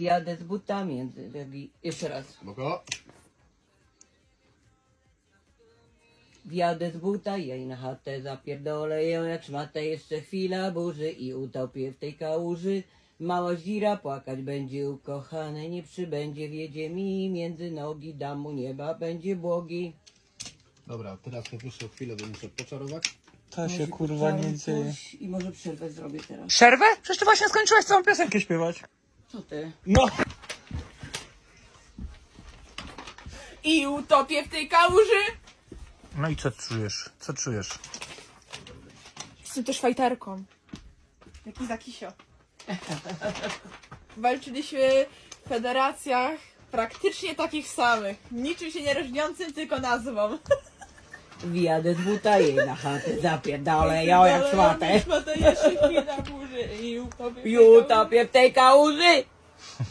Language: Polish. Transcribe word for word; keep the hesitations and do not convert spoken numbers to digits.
Wjadę z butami między nogi. Jeszcze raz. Spoko. Wjadę z buta, jej na chatę zapierdolę ją jak szmatę. Jeszcze chwila burzy i utopię w tej kałuży. Mała zira płakać będzie ukochane, nie przybędzie, wjedzie mi między nogi, dam mu nieba, będzie błogi. Dobra, teraz najwyższą chwilę, bo muszę poczarować. To się Może kurwa nie poprawię dzieje. coś I może przerwę zrobię teraz. Przerwę? Przecież ty właśnie skończyłeś całą piosenkę śpiewać. Co ty? No. I utopię w tej kałuży. No i co czujesz? Co czujesz? Jestem też fajterką. Jaki zakisio. Walczyliśmy w federacjach praktycznie takich samych. Niczym się nie różniącym, tylko nazwą. Wjadę z buta, jej na chatę zapierdolę ją jak szmatę. Szmatę jeszcze chwila burzy i utopię w tej I kałuży. utopię w tej kałuży.